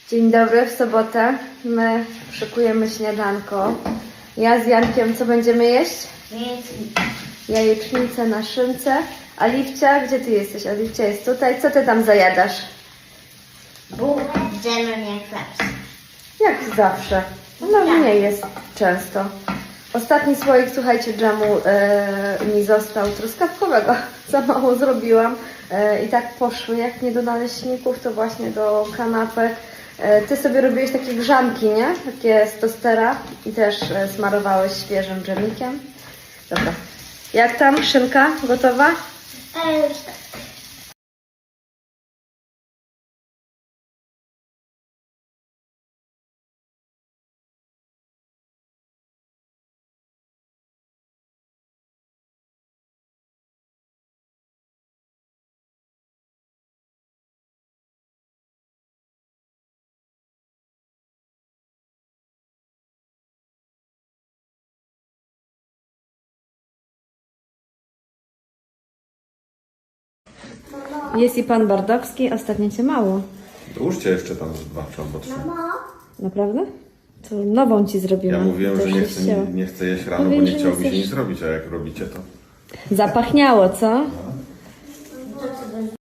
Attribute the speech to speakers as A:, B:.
A: Dzień dobry, w sobotę my szykujemy śniadanko. Ja z Jankiem co będziemy jeść? Jajecznicę na szynce. Aliwcia, gdzie ty jesteś? Aliwcia jest tutaj. Co ty tam zajadasz?
B: Bułkę z dżemem jak zawsze.
A: Jak zawsze. No nie jest często. Ostatni słoik, słuchajcie, dżemu mi został truskawkowego. Za mało zrobiłam. I tak poszły, jak nie do naleśników, to właśnie do kanapek. Ty sobie robiłeś takie grzanki, nie? Takie z tostera i też smarowałeś świeżym dżemikiem. Dobra. Jak tam? Szynka gotowa?
B: Już tak.
A: Jest i pan Bardowski. Ostatnio cię mało.
C: Dołóżcie jeszcze tam z 2 czy albo 3.
A: Naprawdę? To nową ci zrobiłam.
C: Ja mówiłem,
A: To
C: że
A: już się ścięło.
C: nie chcę jeść rano,
A: Mówię,
C: bo
A: że
C: nie
A: nie
C: chciałby się
A: chcesz.
C: nic robić, a jak robicie to...
A: Zapachniało, co?